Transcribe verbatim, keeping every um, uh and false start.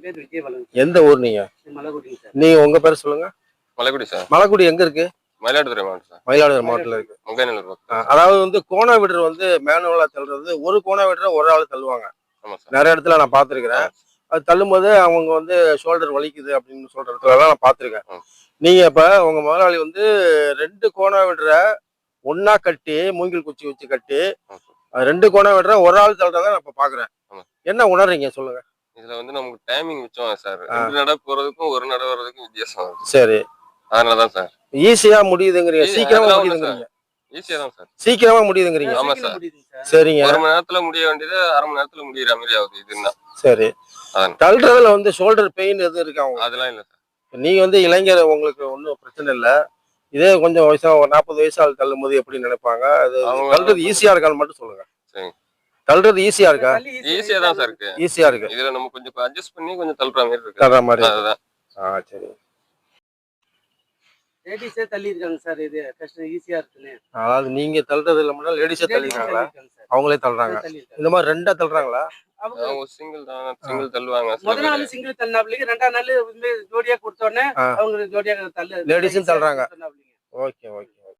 பேர் விஜயபாலன். எந்த ஊர் நீங்க? மலைக்குடி சார். நீங்க உங்க பேர் சொல்லுங்க. மலைக்குடி சார். மலைக்குடி எங்க இருக்கு? மயிலாடுதுறை மாவட்டம் சார். மயிலாடுதுறை மாவட்டத்துல இருக்கு. முங்கைநல்லூர் பக்கம். அதாவது வந்து கோணா விடர் வந்து மேனுவலா தள்ளுறது, ஒரு கோணா விடரை ஒரு ஆள் தள்ளுவாங்க. ஆமா சார். நிறைய இடத்துல நான் பாத்துருக்கிறேன். அது தள்ளும்போது அவங்க வந்து ஷோல்டர் வலிக்குது அப்படின்னு சொல்ற இடத்துல நான் பாத்துருக்கேன். நீங்க இப்ப உங்க முதலாளி வந்து ரெண்டு கோணா விடரை ஒன்னா கட்டி மூங்கில் குச்சி வச்சு கட்டி ரெண்டு கோணா விடரை ஒரு ஆள் தள்ளுறத நான் இப்ப பாக்குறேன். என்ன உணர்றீங்க சொல்லுங்க. இதுல வந்து நமக்கு டைமிங் மிச்சம் சார். ரெண்டு நடை போறதுக்கும் ஒரு நடை வர்றதுக்கும் வித்தியாசம். சரி, அதனாலதான் சார் ஈஸியா முடியுதுங்கிறீங்க, சீக்கிரமா முடியுதுங்கிறீங்க. ஈஸியா தான் சார், சீக்கிரமா முடியுதுங்கிறீங்க. ஆமா சார். சரிங்க, ஒரு மணி நேரத்துல முடிய வேண்டியது அரை மணி நேரத்துல முடியற மாதிரி ஆகுது இதுன்னா. சரி, தள்ளுறதுல வந்து ஷோல்டர் பெயின் எதுவும் இருக்கா? அதெல்லாம் இல்ல சார். நீங்க வந்து இளைஞர், உங்களுக்கு ஒன்றும் பிரச்சனை இல்லை. இதே கொஞ்சம் வயசா ஒரு நாற்பது வயசு ஆள் தள்ளும் போது எப்படி நினைப்பாங்க? அது தள்ளுறது ஈஸியா இருக்கான்னு மட்டும் சொல்லுங்க. சரி, தள்ளுறது ஈஸியா இருக்கா? ஈஸியா தான் சார் இருக்கு. ஈஸியா இருக்கு. இதுல நம்ம கொஞ்சம் அட்ஜஸ்ட் பண்ணி கொஞ்சம் தள்ளுற மாதிரி இருக்கு. தள்ளுற மாதிரி. அதுதான். ஆ, சரி. லேடிஸே தள்ளி இருக்காங்க சார். இது கஷ்டம் ஈஸியா இருக்குன்னு. அதாவது நீங்க தள்ளுறது இல்ல, லேடிஸே தள்ளிருக்காங்களா? அவங்களே தள்ளுறாங்க. இந்த மாதிரி ரெண்டா தள்ளுறாங்களா? அவங்க சிங்கிள் தான், சிங்கிள் தள்ளுவாங்க. முதல் நாள் சிங்கிள் தள்ளினாப்லிங்க, ரெண்டாம் நாள் ஜோடியா கொடுத்த உடனே அவங்க ஜோடியா தள்ளு, லேடிஸும் தள்ளுறாங்க. Okay okay.